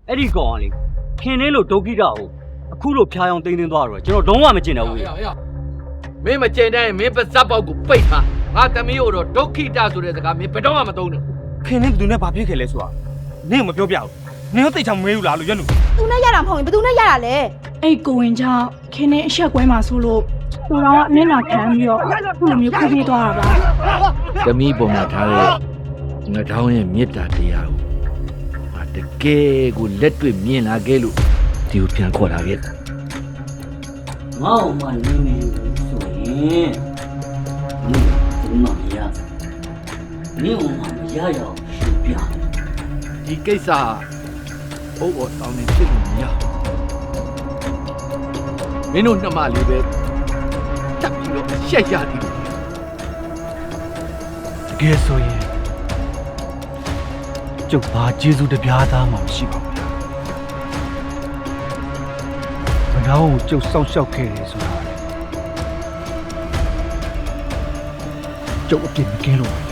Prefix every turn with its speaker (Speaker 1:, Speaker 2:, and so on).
Speaker 1: အဲ့ဒီကောင်ကလေခင်လေးလို့ဒုက္ခိတကိုအခုလို့ဖျားအောင်တင်းသွားတော့ကျွန်တော်လုံးဝမကျင်တော့ဘူး
Speaker 2: မင်းမကျင်တဲ့မင်းပါဇက်ပေါက်ကိုပိတ်ထားငါသမီးကိုတော့ဒုက္ခိတဆိုတဲ့စကားမင်းဘယ်တော့မှမသုံးနဲ့
Speaker 3: ခင်နဲ့ဘယ်သူနဲ့ဘာဖြစ်ခဲ့လဲဆိုတာနင့်ကမပြောပြဘူးနင်တို့သိချင်မမေးဘူးလားလို့ရွက်လူ
Speaker 4: သူနဲ့ရတာမဟုတ်ရင်ဘယ်သူနဲ့ရတာလဲ
Speaker 5: အဲ့ကိုဝင်ကြောင့်ခင်းနေအဆက်ကွဲမှာဆိုလို့ကိုတော်ကအမျက်နှာခံပြီးတော့ခုလိုမျိုးခိုးပြေးသွားတာပါ
Speaker 2: သမီးပေါ်မှာထားတဲ့ငါတောင်းရဲ့မေတ္တာတရားကိုငါတကယ်ကိုလက်တွေ့မြင်လာခဲ့လို့ဒီကိုပြန်ခေါ်လာခဲ့
Speaker 1: ငါ့အောင်မနေနေဆိုရင်ဒီမှာမရနေအောင်မရရအောင်ရှင်းပြ
Speaker 2: ဒီကိစ္စဘိုးဘောတောင်းနေဖြစ်လို့မရမင်းတို့နှမလေးပဲတက်ပြီးတော့ရှက်ရသည်လို့
Speaker 3: တကယ်ဆိုရင်ကျုပ်ဘာကျေးဇူးတပြားသားမှမရှိပါဘူးဘယ်တော့ကျုပ်စောက်ရှောက်ခဲ့တယ်ဆိုတာကျုပ်အပြစ်မကင်းလို့